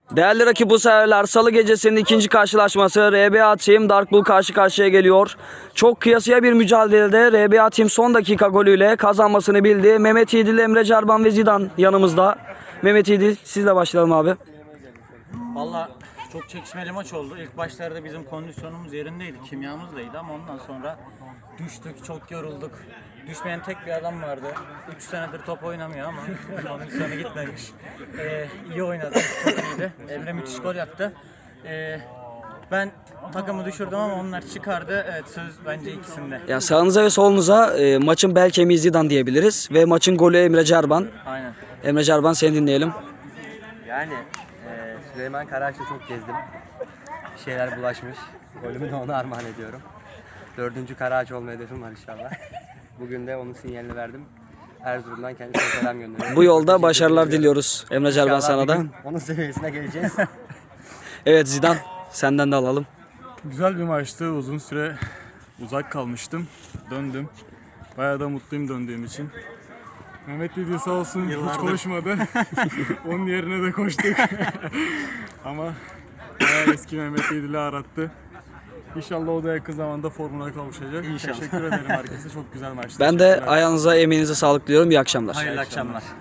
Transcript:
Değerli rakip bu seferler Salı gecesinin ikinci karşılaşması RBA Team Dark Bull karşı karşıya geliyor. Çok kıyasıya bir mücadelede RBA Team son dakika golüyle kazanmasını bildi. Mehmet İdil, Emre Carban ve Zidane yanımızda. Mehmet İdil, sizle başlayalım abi. Valla çok çekişmeli maç oldu. İlk başlarda bizim kondisyonumuz yerindeydi, kimyamız da iyiydi ama ondan sonra düştük, çok yorulduk. Düşmeyen tek bir adam vardı. 3 senedir top oynamıyor ama kondisyonu gitmemiş. İyi oynadı, çok iyiydi. Emre müthiş gol yaptı. Ben takımı düşürdüm ama onlar çıkardı. Evet, söz bence ikisinde. Ya sağınıza ve solunuza maçın bel kemiği Zidane diyebiliriz ve maçın golü Emre Carban. Aynen. Emre Carban, seni dinleyelim. Yani Süleyman Karaağaç'ta çok gezdim. Bir şeyler bulaşmış. Golümü de ona armağan ediyorum. 4. Karaağaç olma hedefim var inşallah. Bugün de onun sinyalini verdim. Erzurum'dan kendisine selam gönderiyorum. Bu yolda başarılar diliyoruz Emre Carban, İnşallah sana bir da. gün onun seviyesine geleceğiz. Evet Zidane, senden de alalım. Güzel bir maçtı. Uzun süre uzak kalmıştım. Döndüm. Bayağı da mutluyum döndüğüm için. Mehmet dedi sağ olsun hiç konuşmadı. Onun yerine de koştuk. Ama bayağı eski Mehmet İdil'i arattı. İnşallah o da yakın zamanda formuna kavuşacak. İnşallah. Teşekkür ederim herkese. Çok güzel maçtı. Ben de ayağınıza, emeğinize sağlık diliyorum. İyi akşamlar. Hayırlı akşamlar.